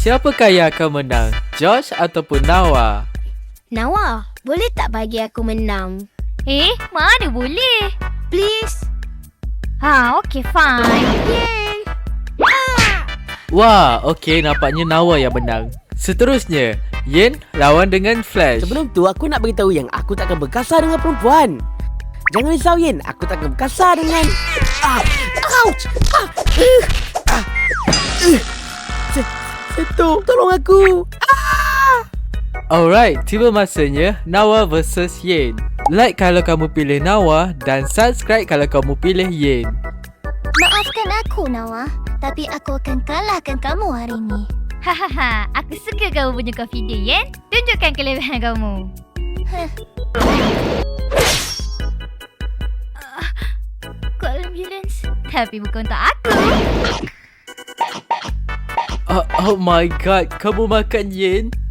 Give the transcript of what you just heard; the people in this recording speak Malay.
siapakah yang akan menang? Josh ataupun Nawa? Nawa, boleh tak bagi aku menang? Mana boleh? Please. Okay, fine. Yay. Wah, okey, nampaknya Nawa yang menang. Seterusnya, Yen lawan dengan Flash. Sebelum tu aku nak beritahu yang aku takkan berkasar dengan perempuan. Jangan risau Yen, aku takkan berkasar dengan ouch! Seto, tolong aku. Alright, tiba masanya Nawa versus Yen. Like kalau kamu pilih Nawa dan subscribe kalau kamu pilih Yen. Maafkan aku, Nawa. Tapi aku akan kalahkan kamu hari ini. Hahaha, aku suka kamu punya confident, Yen. Tunjukkan kelebihan kamu. Call ambulance. Tapi bukan untuk aku. Oh my god, kamu makan Yen?